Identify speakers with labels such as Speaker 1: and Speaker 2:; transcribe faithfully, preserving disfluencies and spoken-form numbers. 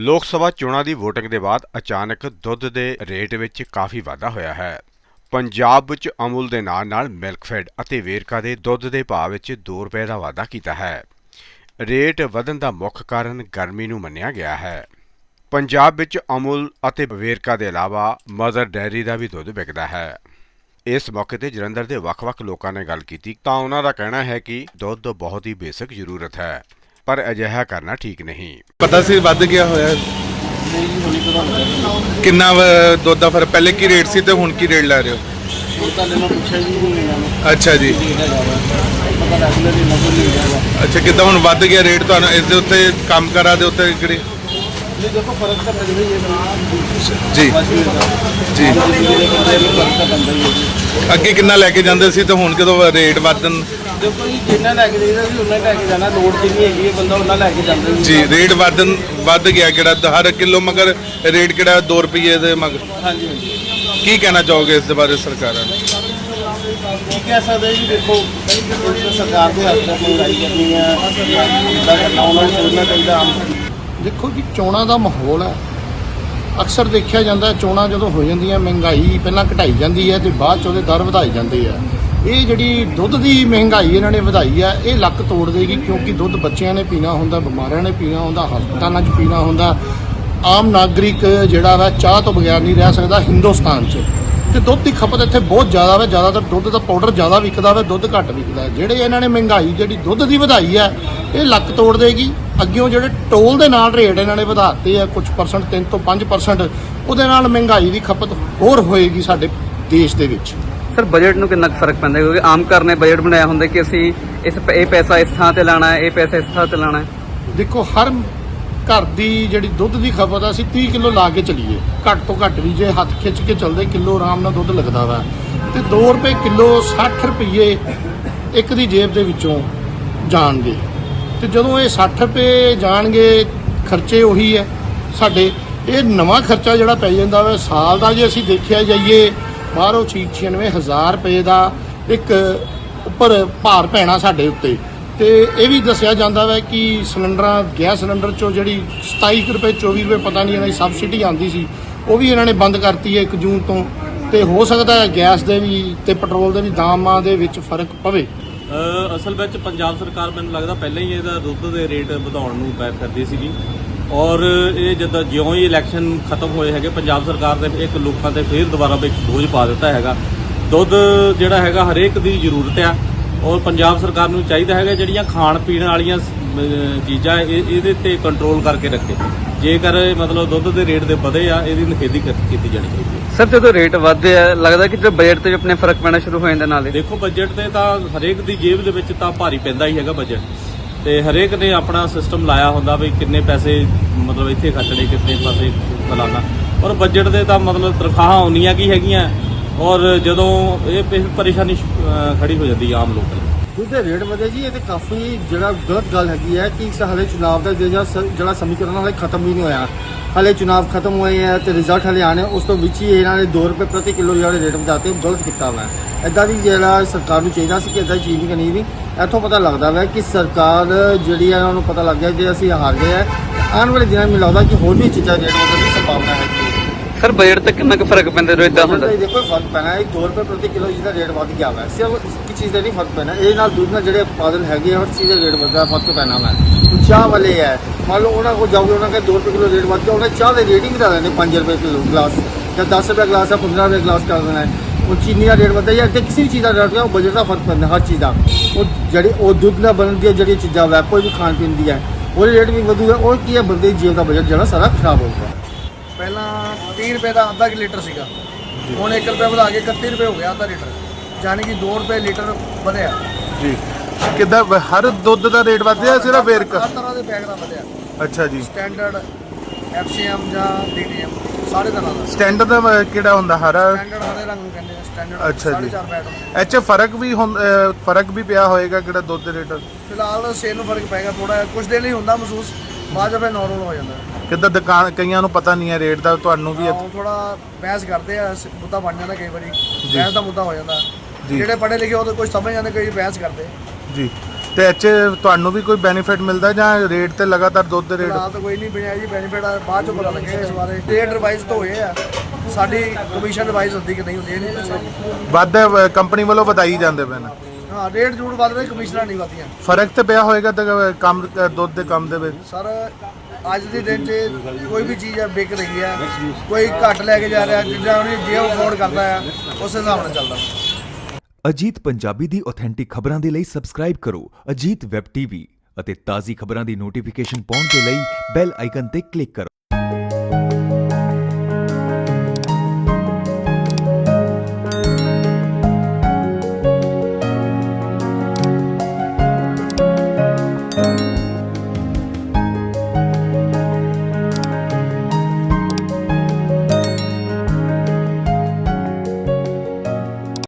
Speaker 1: ਲੋਕ ਸਭਾ ਚੋਣਾਂ ਦੀ ਵੋਟਿੰਗ ਦੇ ਬਾਅਦ ਅਚਾਨਕ ਦੁੱਧ ਦੇ ਰੇਟ ਵਿੱਚ ਕਾਫੀ ਵਾਧਾ ਹੋਇਆ ਹੈ। ਪੰਜਾਬ ਵਿੱਚ ਅਮੁਲ ਦੇ ਨਾਲ ਨਾਲ ਮਿਲਕਫੈਡ ਅਤੇ ਵੇਰਕਾ ਦੇ ਦੁੱਧ ਦੇ ਭਾਅ ਵਿੱਚ ਦੋ ਰੁਪਏ ਦਾ ਵਾਧਾ ਕੀਤਾ ਹੈ। ਰੇਟ ਵਧਣ ਦਾ ਮੁੱਖ ਕਾਰਨ ਗਰਮੀ ਨੂੰ ਮੰਨਿਆ ਗਿਆ ਹੈ। ਪੰਜਾਬ ਵਿੱਚ ਅਮੁਲ ਅਤੇ ਵੇਰਕਾ ਦੇ ਇਲਾਵਾ ਮਦਰ ਡੈਰੀ ਦਾ ਵੀ ਦੁੱਧ ਵਿਕਦਾ ਹੈ। ਇਸ ਮੌਕੇ ਤੇ ਜਲੰਧਰ ਦੇ ਵੱਖ-ਵੱਖ ਲੋਕਾਂ ਨੇ ਗੱਲ ਕੀਤੀ ਤਾਂ ਉਹਨਾਂ ਦਾ ਕਹਿਣਾ ਹੈ ਕਿ ਦੁੱਧ ਬਹੁਤ ਹੀ ਬੇਸਿਕ ਜ਼ਰੂਰਤ ਹੈ, ਪਰ ਅਜਿਹਾ ਕਰਨਾ ਠੀਕ ਨਹੀਂ।
Speaker 2: ਪਤਾ ਸੀ ਵੱਧ ਗਿਆ ਹੋਇਆ ਕਿੰਨਾ ਦੁੱਧ ਦਾ ਫਰਕ? ਪਹਿਲੇ ਕੀ ਰੇਟ ਸੀ ਤੇ ਹੁਣ ਕੀ ਰੇਟ ਲੈ ਰਹੇ ਹੋ? ਅੱਛਾ ਜੀ, ਅੱਛਾ ਕਿੱਦਾਂ ਹੁਣ ਵੱਧ ਗਿਆ ਰੇਟ? ਤੁਹਾਨੂੰ ਇਸ ਦੇ ਉੱਤੇ ਕੰਮ ਕਰਾਂ ਦੇ ਉੱਤੇ ਕਿਹੜੀ
Speaker 3: देखो फर्क तो पड़ रही है
Speaker 2: ਜੀ ਜੀ ਅੱਗੇ ਕਿੰਨਾ ਲੈ ਕੇ ਜਾਂਦੇ ਸੀ ਤੇ ਹੁਣ ਕਦੋਂ ਰੇਟ ਵਧਣ?
Speaker 3: देखो जी जिन्ना लैके जाइदा सी उन्ना लैके जाना, लोड़ की नहीं हैगी, बंदा उन्ना लैके जांदा
Speaker 2: ਜੀ ਰੇਟ ਵਧਣ ਵੱਧ ਗਿਆ ਕਿਹੜਾ ਹਰ ਕਿਲੋ ਮਗਰ ਰੇਟ ਕਿਹੜਾ ਦੋ ਰੁਪਏ ਦੇ ਮਗਰ?
Speaker 3: हाँ जी हाँ जी
Speaker 2: ਕੀ ਕਹਿਣਾ ਚਾਹੋਗੇ ਇਸ ਦੇ ਬਾਰੇ ਸਰਕਾਰਾਂ ਨੂੰ?
Speaker 3: की कह सकते जी, देखो सरकार के हथ तक महंगाई करनी है, इदा करना उन्होंने सोचना चाहिए। आम
Speaker 4: ਦੇਖੋ ਜੀ ਚੋਣਾਂ ਦਾ ਮਾਹੌਲ ਹੈ। ਅਕਸਰ ਦੇਖਿਆ ਜਾਂਦਾ ਚੋਣਾਂ ਜਦੋਂ ਹੋ ਜਾਂਦੀਆਂ ਮਹਿੰਗਾਈ ਪਹਿਲਾਂ ਘਟਾਈ ਜਾਂਦੀ ਹੈ ਤੇ ਬਾਅਦ 'ਚ ਉਹਦੇ ਦਰ ਵਧਾਏ ਜਾਂਦੇ ਆ। ਇਹ ਜਿਹੜੀ ਦੁੱਧ ਦੀ ਮਹਿੰਗਾਈ ਇਹਨਾਂ ਨੇ ਵਧਾਈ ਆ, ਇਹ ਲੱਕ ਤੋੜ ਦੇਗੀ, ਕਿਉਂਕਿ ਦੁੱਧ ਬੱਚਿਆਂ ਨੇ ਪੀਣਾ ਹੁੰਦਾ, ਬਿਮਾਰੀਆਂ ਨੇ ਪੀਣਾ ਹੁੰਦਾ, ਹਸਪਤਾਲਾਂ 'ਚ ਪੀਣਾ ਹੁੰਦਾ। ਆਮ ਨਾਗਰਿਕ ਜਿਹੜਾ ਵਾ ਚਾਹ ਤੋਂ ਬਗੈਰ ਨਹੀਂ ਰਹਿ ਸਕਦਾ ਹਿੰਦੁਸਤਾਨ 'ਚ। ਤੇ ਦੁੱਧ ਦੀ ਖਪਤ ਇੱਥੇ ਬਹੁਤ ਜ਼ਿਆਦਾ ਵਾ, ਜ਼ਿਆਦਾਤਰ ਦੁੱਧ ਦਾ ਪਾਊਡਰ ਜ਼ਿਆਦਾ ਵਿਕਦਾ ਵਾ, ਦੁੱਧ ਘੱਟ ਵਿਕਦਾ। ਜਿਹੜੇ ਇਹਨਾਂ ਨੇ ਮਹਿੰਗਾਈ ਜਿਹੜੀ ਦੁੱਧ ਦੀ ਵਧਾਈ ਆ, ਇਹ ਲੱਕ ਤੋੜ ਦੇਗੀ। ਅੱਗਿਓਂ ਜਿਹੜੇ ਟੋਲ ਦੇ ਨਾਲ ਰੇਟ ਇਹਨਾਂ ਨੇ ਵਧਾਤੇ ਆ ਕੁਝ ਪਰਸੈਂਟ, ਤਿੰਨ ਤੋਂ ਪੰਜ ਪਰਸੈਂਟ, ਉਹਦੇ ਨਾਲ ਮਹਿੰਗਾਈ ਦੀ ਖਪਤ ਹੋਰ ਹੋਏਗੀ ਸਾਡੇ ਦੇਸ਼ ਦੇ ਵਿੱਚ।
Speaker 5: ਸਰ ਬਜਟ ਨੂੰ ਕਿੰਨਾ ਫਰਕ ਪੈਂਦਾ? ਕਿਉਂਕਿ ਆਮ ਘਰ ਨੇ ਬਜਟ ਬਣਾਇਆ ਹੁੰਦਾ ਕਿ ਅਸੀਂ ਇਸ ਇਹ ਪੈਸਾ ਇਸ ਥਾਂ ਤੇ ਲਾਣਾ ਹੈ, ਇਹ ਪੈਸਾ ਇਸ ਥਾਂ ਤੇ ਲਾਣਾ ਹੈ।
Speaker 4: ਦੇਖੋ ਹਰ ਘਰ ਦੀ ਜਿਹੜੀ ਦੁੱਧ ਦੀ ਖਪਤ ਆ, ਅਸੀਂ ਤੀਹ ਕਿਲੋ ਲਾ ਕੇ ਚੱਲੀਏ, ਘੱਟ ਤੋਂ ਘੱਟ ਵੀ ਜੇ ਹੱਥ ਖਿੱਚ ਕੇ ਚੱਲਦੇ ਕਿਲੋ ਆਰਾਮ ਨਾਲ ਦੁੱਧ ਲੱਗਦਾ ਵਾ। ਤੇ ਦੋ ਰੁਪਏ ਕਿਲੋ ਸੱਠ ਰੁਪਏ ਇੱਕ ਦੀ ਜੇਬ ਦੇ ਵਿੱਚੋਂ ਜਾਣਗੇ। ਤੇ ਜਦੋਂ ਇਹ ਸੱਠ ਰੁਪਏ ਜਾਣਗੇ, ਖਰਚੇ ਉਹੀ ਹੈ ਸਾਡੇ। ਇਹ ਨਵਾਂ ਖਰਚਾ ਜਿਹੜਾ ਪੈ ਜਾਂਦਾ ਵਾ ਸਾਲ ਦਾ, ਜੇ ਅਸੀਂ ਦੇਖਿਆ ਜਾਈਏ ਬਾਹਰੋਂ ਛਿਆਨਵੇਂ ਹਜ਼ਾਰ ਰੁਪਏ ਦਾ ਇੱਕ ਉੱਪਰ ਭਾਰ ਪੈਣਾ ਸਾਡੇ ਉੱਤੇ। ਤੇ ਇਹ ਵੀ ਦੱਸਿਆ ਜਾਂਦਾ ਵਾ ਕਿ ਸਿਲੰਡਰਾਂ ਗੈਸ ਸਿਲੰਡਰ 'ਚੋਂ ਜਿਹੜੀ ਸਤਾਈ ਕੁ ਰੁਪਏ ਚੌਵੀ ਰੁਪਏ ਪਤਾ ਨਹੀਂ ਇਹਨਾਂ ਦੀ ਸਬਸਿਡੀ ਆਉਂਦੀ ਸੀ, ਉਹ ਵੀ ਇਹਨਾਂ ਨੇ ਬੰਦ ਕਰਤੀ ਹੈ ਇੱਕ ਜੂਨ ਤੋਂ। ਤੇ ਹੋ ਸਕਦਾ ਹੈ ਗੈਸ ਦੇ ਵੀ ਤੇ ਪੈਟਰੋਲ ਦੇ ਵੀ ਦਾਮਾਂ ਦੇ ਵਿੱਚ ਫਰਕ ਪਵੇ।
Speaker 6: ਅਸਲ ਵਿੱਚ ਪੰਜਾਬ ਸਰਕਾਰ ਮੈਨੂੰ ਲੱਗਦਾ ਪਹਿਲਾਂ ਹੀ ਇਹਦਾ ਦੁੱਧ ਦੇ ਰੇਟ ਵਧਾਉਣ ਨੂੰ ਪੈ ਕਰਦੀ ਸੀਗੀ, ਔਰ ਇਹ ਜਦੋਂ ਜਿਉਂ ਹੀ ਇਲੈਕਸ਼ਨ ਖਤਮ ਹੋਏ ਹੈਗੇ ਪੰਜਾਬ ਸਰਕਾਰ ਦੇ ਇੱਕ ਲੋਕਾਂ ਤੇ ਫਿਰ ਦੁਬਾਰਾ ਵਿੱਚ ਬੋਝ ਪਾ ਦਿੱਤਾ ਹੈਗਾ। ਦੁੱਧ ਜਿਹੜਾ ਹੈਗਾ ਹਰੇਕ ਦੀ ਜ਼ਰੂਰਤ ਆ, ਔਰ ਪੰਜਾਬ ਸਰਕਾਰ ਨੂੰ ਚਾਹੀਦਾ ਹੈਗਾ ਜਿਹੜੀਆਂ ਖਾਣ ਪੀਣ ਵਾਲੀਆਂ ਚੀਜ਼ਾਂ ਇਹ ਇਹਦੇ ਤੇ ਕੰਟਰੋਲ ਕਰਕੇ ਰੱਖੇ। ਜੇਕਰ ਮਤਲਬ ਦੁੱਧ ਦੇ ਰੇਟ ਦੇ ਵਧੇ ਆ, ਇਹਦੀ ਨਿਖੇਧੀ ਕੀਤੀ ਜਾਣੀ ਚਾਹੀਦੀ ਹੈ।
Speaker 5: ਸਰ ਜਦੋਂ ਰੇਟ ਵਧਦੇ ਆ ਲੱਗਦਾ ਕਿ ਜੋ ਬਜਟ ਤੇ ਵੀ ਆਪਣੇ ਫਰਕ ਪੈਣਾ ਸ਼ੁਰੂ ਹੋ ਜਾਂਦਾ ਨਾਲੇ।
Speaker 6: ਦੇਖੋ ਬਜਟ ਤੇ ਤਾਂ ਹਰੇਕ ਦੀ ਜੇਬ ਦੇ ਵਿੱਚ ਤਾਂ ਭਾਰੀ ਪੈਂਦਾ ਹੀ ਹੈਗਾ ਬਜਟ, ਤੇ ਹਰੇਕ ਨੇ ਆਪਣਾ ਸਿਸਟਮ ਲਾਇਆ ਹੁੰਦਾ ਵੀ ਕਿੰਨੇ ਪੈਸੇ ਮਤਲਬ ਇੱਥੇ ਖਰਚਣੇ, ਕਿੰਨੇ ਪੈਸੇ ਫਲਾਣਾ। ਔਰ ਬਜਟ ਦੇ ਤਾਂ ਮਤਲਬ ਤਨਖਾਹਾਂ ਉਨੀਆਂ ਕੀ ਹੈਗੀਆਂ, ਔਰ ਜਦੋਂ ਇਹ ਪਰੇਸ਼ਾਨੀ ਖੜੀ ਹੋ ਜਾਂਦੀ ਆਮ ਲੋਕਾਂ ਨੂੰ।
Speaker 3: ਦੁੱਧ ਦੇ ਰੇਟ ਵਧੇ ਜੀ, ਇਹ ਤੇ ਕਾਫੀ ਜਿਹੜਾ ਗਲਤ ਗੱਲ ਹੈਗੀ ਹੈ ਕਿ ਹਾਲੇ ਚੁਣਾਵ ਦਾ ਜਿਹੜਾ ਸਮੀਕਰਨ ਹਾਲੇ ਖਤਮ ਵੀ ਨਹੀਂ ਹੋਇਆ। ਹਾਲੇ ਚੁਣਾਵ ਖਤਮ ਹੋਏ ਹੈ ਤੇ ਰਿਜ਼ਲਟ ਹਾਲੇ ਆਣੇ, ਉਸ ਤੋਂ ਵਿੱਚ ਹੀ ਇਹਨਾਂ ਨੇ ਦੋ ਰੁਪਏ ਪ੍ਰਤੀ ਕਿਲੋ ਜਿਹੜੇ ਰੇਟ ਵਧਾਤੇ, ਗਲਤ ਕੀਤਾ ਵਾ। ਇੱਦਾਂ ਦੀ ਜਿਹੜਾ ਸਰਕਾਰ ਨੂੰ ਚਾਹੀਦਾ ਸੀ ਕਿ ਇੱਦਾਂ ਦੀ ਚੀਜ਼ ਨਹੀਂ ਕਰਨੀ ਵੀ। ਇੱਥੋਂ ਪਤਾ ਲੱਗਦਾ ਵਾ ਕਿ ਸਰਕਾਰ ਜਿਹੜੀ ਹੈ ਉਹਨਾਂ ਨੂੰ ਪਤਾ ਲੱਗ ਗਿਆ ਜੇ ਅਸੀਂ ਹਾਰ ਗਏ ਹੈ, ਆਉਣ ਵਾਲੇ ਦਿਨਾਂ ਮੈਨੂੰ ਲੱਗਦਾ ਕਿ ਹੋਰ ਵੀ ਚੀਜ਼ਾਂ ਰੇਟ ਵਧਣ ਦੀ ਸੰਭਾਵਨਾ ਹੈ।
Speaker 5: ਸਰ ਬਜਟ ਤੇ ਕਿੰਨਾ ਕੁ ਫਰਕ ਪੈਂਦਾ ਜਦੋਂ ਇਦਾਂ ਹੁੰਦਾ?
Speaker 3: ਦੇਖੋ ਫਰਕ ਪੈਣਾ ਹੈ, ਦੋ ਰੁਪਏ ਪ੍ਰਤੀ ਕਿਲੋ ਜਿਹਦਾ ਰੇਟ ਵੱਧ ਗਿਆ ਵਾ। ਸਿਰਫ ਇੱਕ ਚੀਜ਼ ਦਾ ਨਹੀਂ ਫਰਕ ਪੈਣਾ, ਇਹ ਨਾਲ ਦੁੱਧ ਨਾਲ ਜਿਹੜੇ ਉਤਪਾਦਨ ਹੈਗੇ ਹਰ ਚੀਜ਼ ਦਾ ਰੇਟ ਵੱਧਦਾ ਫਰਕ ਪੈਣਾ ਵਾ। ਚਾਹ ਵਾਲੇ ਹੈ, ਮੰਨ ਲਓ ਉਹਨਾਂ ਕੋਲ ਜਾਓਗੇ, ਉਹਨਾਂ ਕਹਿੰਦੇ ਦੋ ਰੁਪਏ ਕਿਲੋ ਰੇਟ ਵੱਧ ਗਿਆ, ਉਹਨਾਂ ਚਾਹ ਦੇ ਰੇਟ ਹੀ ਵਧਾ ਦੇਣੇ ਪੰਜ ਰੁਪਏ ਕਿਲੋ ਗਲਾਸ, ਜਾਂ ਦਸ ਰੁਪਏ ਗਲਾਸ ਹੈ ਪੰਦਰਾਂ ਰੁਪਏ ਗਲਾਸ ਕਰ ਦੇਣਾ ਹੈ। ਉਹ ਚੀਨੀ ਦਾ ਰੇਟ ਵਧਦਾ ਜਾਂ ਇੱਥੇ ਕਿਸੇ ਵੀ ਚੀਜ਼ ਦਾ ਰੇਟ, ਉਹ ਬਜਟ ਦਾ ਫਰਕ ਪੈਂਦਾ ਹਰ ਚੀਜ਼ ਦਾ। ਉਹ ਜਿਹੜੀ ਉਹ ਦੁੱਧ ਨਾਲ ਬਣਦੀਆਂ ਜਿਹੜੀਆਂ ਚੀਜ਼ਾਂ ਵਾ, ਕੋਈ ਵੀ ਖਾਣ ਪੀਣ ਦੀ ਹੈ, ਉਹਦੇ ਰੇਟ ਵੀ ਵਧੂਗਾ। ਉਹ ਕੀ ਹੈ, ਬੰਦੇ ਦੀ ਜੇਬ ਦਾ ਬਜਟ ਜਿਹੜਾ ਸਾਰਾ ਖਰਾਬ ਹੋਊਗਾ।
Speaker 4: ਪਹਿਲਾਂ ਤੀਹ ਰੁਪਏ ਦਾ ਅੱਧਾ ਕਿ ਲੀਟਰ ਸੀਗਾ, ਹੁਣ ਇੱਕ ਰੁਪਏ ਵਧਾ ਕੇ ਇਕੱਤੀ ਰੁਪਏ ਹੋ ਗਿਆ ਅੱਧਾ ਲੀਟਰ, ਯਾਨੀ ਕਿ ਦੋ ਰੁਪਏ ਲੀਟਰ ਵਧਿਆ
Speaker 2: ਜੀ ਕਿੱਦਾਂ ਹਰ ਦੁੱਧ ਦਾ ਰੇਟ ਵਧਿਆ ਸਿਰਫ ਵੇਰਕਾ?
Speaker 4: ਹਰ ਤਰ੍ਹਾਂ ਦੇ ਬੈਗ ਦਾ ਵਧਿਆ।
Speaker 2: ਅੱਛਾ ਜੀ,
Speaker 4: ਸਟੈਂਡਰਡ, ਐਫ ਸੀ ਐਮ ਜਾਂ ਡੀ ਟੀ ਐਮ ਸਾਰੇ ਤਰ੍ਹਾਂ ਦਾ।
Speaker 2: ਸਟੈਂਡਰਡ ਦਾ ਕਿਹੜਾ ਹੁੰਦਾ? ਹਰਾ
Speaker 4: ਸਟੈਂਡਰਡ ਹਰੇ ਰੰਗ ਨੂੰ ਕਹਿੰਦੇ ਆ ਸਟੈਂਡਰਡ।
Speaker 2: ਅੱਛਾ ਜੀ,
Speaker 4: ਚਾਰ ਬੈਗ
Speaker 2: ਇਹ 'ਚ ਫਰਕ ਵੀ ਹੁੰਦਾ, ਫਰਕ ਵੀ ਪਿਆ ਹੋਏਗਾ ਕਿਹੜਾ ਦੁੱਧ ਦੇ ਰੇਟ?
Speaker 4: ਫਿਲਹਾਲ ਸੇਲ ਨੂੰ ਫਰਕ ਪਏਗਾ ਥੋੜਾ, ਕੁਝ ਦਿਨ ਹੀ ਹੁੰਦਾ ਮਹਿਸੂਸ, ਬਾਅਦ ਚ ਫਿਰ ਨਾਰਮਲ ਹੋ ਜਾਂਦਾ।
Speaker 2: ਕਿੱਦਾਂ ਦੁਕਾਨ ਕਈਆਂ ਨੂੰ ਪਤਾ ਨਹੀਂ ਹੈ ਰੇਟ ਦਾ, ਤੁਹਾਨੂੰ ਵੀ
Speaker 4: ਥੋੜਾ ਬਹਿਸ ਕਰਦੇ ਆ, ਮੁੱਦਾ ਬਣ ਜਾਂਦਾ ਕਈ ਵਾਰੀ, ਬਹਿਸ ਦਾ ਮੁੱਦਾ ਹੋ ਜਾਂਦਾ।
Speaker 2: ਜੀ।
Speaker 4: ਜਿਹੜੇ ਪੜ੍ਹੇ ਲਿਖੇ ਉਹ ਤਾਂ ਕੁਝ ਸਮਝ ਜਾਂਦੇ, ਕਈ ਬਹਿਸ ਕਰਦੇ
Speaker 2: ਜੀ। ਤੇ ਇੱਥੇ ਤੁਹਾਨੂੰ ਵੀ ਕੋਈ ਬੈਨੀਫਿਟ ਮਿਲਦਾ ਜਾਂ ਰੇਟ ਤੇ ਲਗਾਤਾਰ ਦੁੱਧ ਦੇ ਰੇਟ
Speaker 7: ਫਿਲਹਾਲ ਤਾਂ ਕੋਈ ਨਹੀਂ ਬਣਿਆ ਜੀ ਬੈਨੀਫਿਟ ਬਾਅਦ ਚੋਂ ਪਤਾ ਲੱਗੇਗਾ ਇਸ ਬਾਰੇ ਰੇਟ ਰਿਵਾਈਜ਼ ਤਾਂ ਹੋਏ ਆ ਸਾਡੀ ਕਮਿਸ਼ਨ ਰਿਵਾਈਜ਼ ਹੁੰਦੀ ਕਿ ਨਹੀਂ ਹੁੰਦੀ ਇਹ ਨਹੀਂ ਪੁੱਛਿਆ
Speaker 2: ਵੱਧ ਕੰਪਨੀ ਵੱਲੋਂ ਵਧਾਈ ਜਾਂਦੇ ਪਏ ਨੇ
Speaker 7: ਹਾਂ ਰੇਟ ਜ਼ਰੂਰ ਵੱਧ ਰਹੇ ਕਮਿਸ਼ਨਾਂ ਨਹੀਂ ਵਧਦੀਆਂ
Speaker 2: ਫਰਕ ਤੇ ਪਿਆ ਹੋਏਗਾ ਤੇ ਕੰਮ ਦੁੱਧ ਦੇ ਕੰਮ ਦੇ ਵਿੱਚ
Speaker 7: ਸਰ ਅੱਜ ਦੇ ਦਿਨ 'ਚ ਕੋਈ ਵੀ ਚੀਜ਼ ਹੈ ਵਿਕ ਰਹੀ ਹੈ ਕੋਈ ਘੱਟ ਲੈ ਕੇ ਜਾ ਰਿਹਾ ਜਿੱਦਾਂ ਉਹਨੇ ਜੇ ਅਫੋਰਡ ਕਰਦਾ ਆ ਉਸ ਹਿਸਾਬ ਨਾਲ ਚੱਲਦਾ
Speaker 8: ਅਜੀਤ ਪੰਜਾਬੀ ਦੀ ਆਥੈਂਟਿਕ ਖਬਰਾਂ ਦੇ ਲਈ ਸਬਸਕ੍ਰਾਈਬ ਕਰੋ ਅਜੀਤ ਵੈਬ ਟੀਵੀ ਅਤੇ ਤਾਜ਼ੀ ਖਬਰਾਂ ਦੀ ਨੋਟੀਫਿਕੇਸ਼ਨ ਪਾਉਣ ਦੇ ਲਈ ਬੈਲ ਆਈਕਨ ਤੇ ਕਲਿੱਕ ਕਰੋ।